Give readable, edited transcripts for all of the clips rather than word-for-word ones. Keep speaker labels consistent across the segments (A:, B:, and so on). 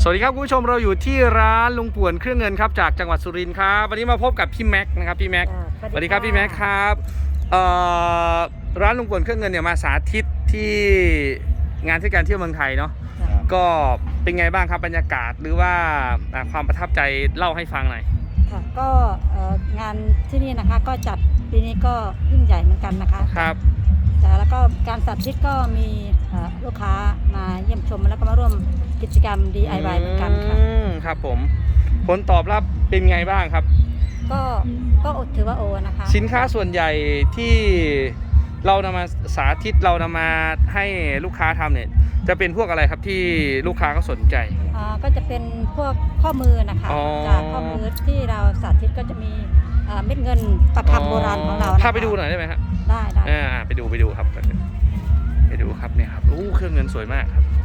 A: สวัสดีครับคุณผู้ชมเราอยู่ที่ร้านลุงป่วนเครื่องเงินครับจากจังหวัดสุรินทร์ครับวันนี้มาพบกับพี่แม็กนะครับพี่แม็กสวัสดีครับพี่แม็กครับร้านลุงป่วนเครื่องเงินเนี่ยมาสาธิตที่งานเทศกาลเที่ยวเมืองไทยเนาะก็เป็นไงบ้างครับบรรยากาศหรือว่าความประทับใจเล่าให้ฟังหน่อย
B: ค่ะก็งานที่นี่นะคะก็จัดปีนี้ก็ยิ่งใหญ่เหมือนกันนะคะ
A: ครับ
B: แล้วก็การสาธิตก็มีลูกค้ามาเยี่ยมชมแล้วก็มาร่วมกิจกรรม DIY เหมือนกันค่ะ
A: ครับผมผลตอบรับเป็นไงบ้างครับ
B: ก็ถือว่าโอนะคะ
A: สินค้าส่วนใหญ่ที่เรานำมาสาธิตเรานำมาให้ลูกค้าทำเนี่ยจะเป็นพวกอะไรครับที่ลูกค้าก็สนใจ
B: ก็จะเป็นพวกข้อมือนะคะจากข้อมือที่เราสาธิตก็จะมีเม็ดเงินประคำโบราณของเรา
A: ถ้าไปดูหน่อยได้ไหมครับ
B: ได้
A: ไปดูครับไปดูครับเนี่ยครับเครื่องเงินสวยมากครับ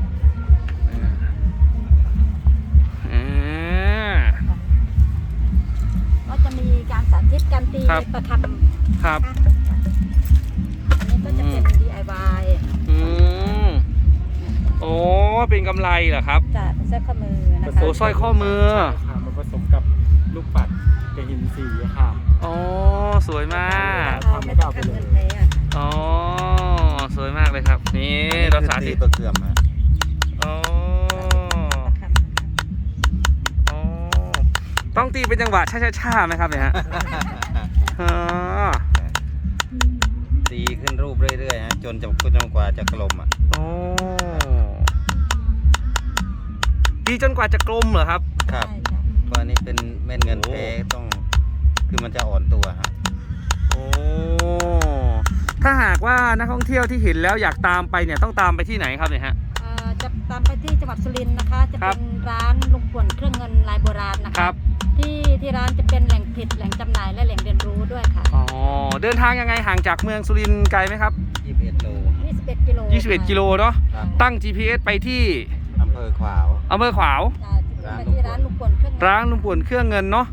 B: ก็จะมีการสาธิตการตีประคำ
A: ครับ
B: อันนี้ก็จะเป็น DIY
A: โอ้เป็นกำไรเหรอครับ
B: จะเป็นสร้อยข้อมือนะคะ
A: โอ้สร้อยข้อมือ
C: มันผสมกับลูกปัดกับหินสีค่ะ
A: อ๋อสวยมาก
B: ไม่ต้องทำเงินเลย
A: อ๋อสวยมากเลยครับนี่เราสาธิต
C: ตัวเสื่อมฮะ
A: ต้องตีเป็นจังหวะช้าๆไหมครับเนี่ยฮะ
C: ตีขึ้นรูปเรื่อยๆฮะจนกว่าจะกลมอ่ะ
A: ตีจนกว่าจะกลมเหรอครับ
C: ครับเพราะนี้เป็นเม็ดเงินแท้ต้องคือมันจะอ่อนตัวฮะ
A: ถ้าหากว่านักท่องเที่ยวที่เห็นแล้วอยากตามไปเนี่ยต้องตามไปที่ไหนครับเนี่ยฮะ
B: จะตามไปที่จังหวัดสุรินทร์นะคะจะเป็นร้านลุงป่วนเครื่องเงินลายโบราณนะคะที่ร้านจะเป็นแหล่งผลิตแหล่งจำหน่ายและแหล่งเรียนรู้ด้วยค่ะ
A: เดินทางยังไงห่างจากเมืองสุรินทร์ไกลไหมครับ
C: 21 โล
B: 21
A: กิโลเนาะตั้ง GPS ไปที่
C: อำเภอขวาว
B: ไปที่ร้านลุงป่วนเค
A: รื่องเงินเนาะ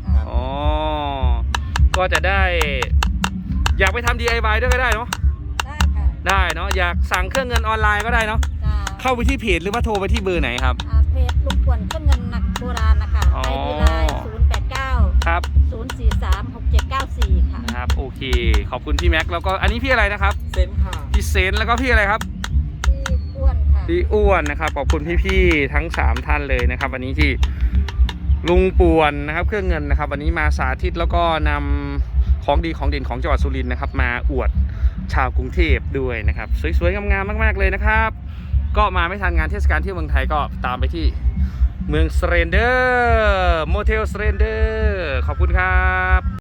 A: ก็จะได้อยากไปทำ DIY ด้วยก็ได้เนาะ
B: ได้ค่ะ
A: ได้เนาะอยากสั่งเครื่องเงินออนไลน์ก็ได้เนาะเข้าไปที่เพจหรือว่าโทรไปที่เบอร์ไหนครับ
B: เพจลุงป่วนเครื่องเงินหนักโบราณนะคะID Line 089
A: ครับ
B: 043 6794ค่ะ
A: ครับโอเคขอบคุณพี่แม็กแล้วก็อันนี้พี่อะไรนะครับ
C: เซนค่ะ
A: พี่เซนแล้วก็พี่อะไรครับ
B: พี่อ้วนค่ะ
A: พี่อ้วนนะครับขอบคุณพี่ๆทั้ง3ท่านเลยนะครับวันนี้ที่ลุงป่วนนะครับเครื่องเงินนะครับวันนี้มาสาธิตแล้วก็นำของดีของเด่นของจังหวัดสุรินทร์นะครับมาอวดชาวกรุงเทพด้วยนะครับสวยๆงามๆมากๆเลยนะครับก็มาไม่ทันงานเทศกาลที่เมืองไทยก็ตามไปที่เมืองสเรนเดอร์โมเทลสเรนเดอร์ขอบคุณครับ